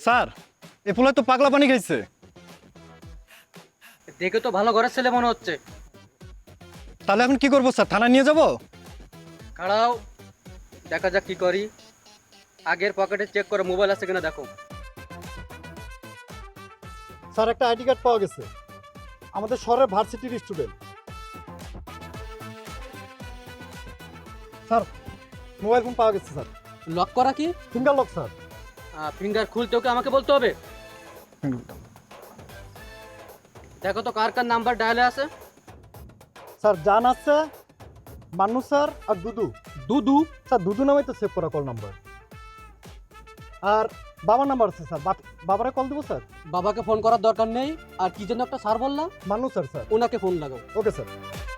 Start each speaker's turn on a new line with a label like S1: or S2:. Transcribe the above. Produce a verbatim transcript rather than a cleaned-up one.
S1: Sir এ পোলায় তো পাগলা পানি খাইছে।
S2: দেখে তো ভালো ঘরের ছেলে মনে হচ্ছে।
S1: তাহলে এখন কি করবো স্যার, থানায় নিয়ে যাব?
S2: খাড়াও, দেখা যাক কি করি। আগের পকেটে চেক করে মোবাইল আছে কিনা দেখো।
S3: স্যার একটা আইডি কার্ড পাওয়া গেছে, আমাদের শহরের ভার্সিটির স্টুডেন্ট। স্যার মোবাইল ফোন পাওয়া গেছে স্যার।
S2: লক করা কি?
S3: Finger lock sir.
S2: ফিঙ্গার খুলতে ওকে আমাকে বলতে হবে। দেখো তো কার কার নাম্বার ডায়ালে আছে।
S3: স্যার জান আছে, মান্নু স্যার আর দুদু।
S2: দুদু?
S3: স্যার দুদু নামে তো সেভ করা কল নাম্বার। আর বাবার নাম্বার আছে স্যার, বাবারে কল দেবো স্যার?
S2: বাবাকে ফোন করার দরকার নেই। আর কি জন্য একটা স্যার বললাম?
S3: মান্নু স্যার। স্যার
S2: ওনাকে ফোন লাগাও।
S3: Okay sir.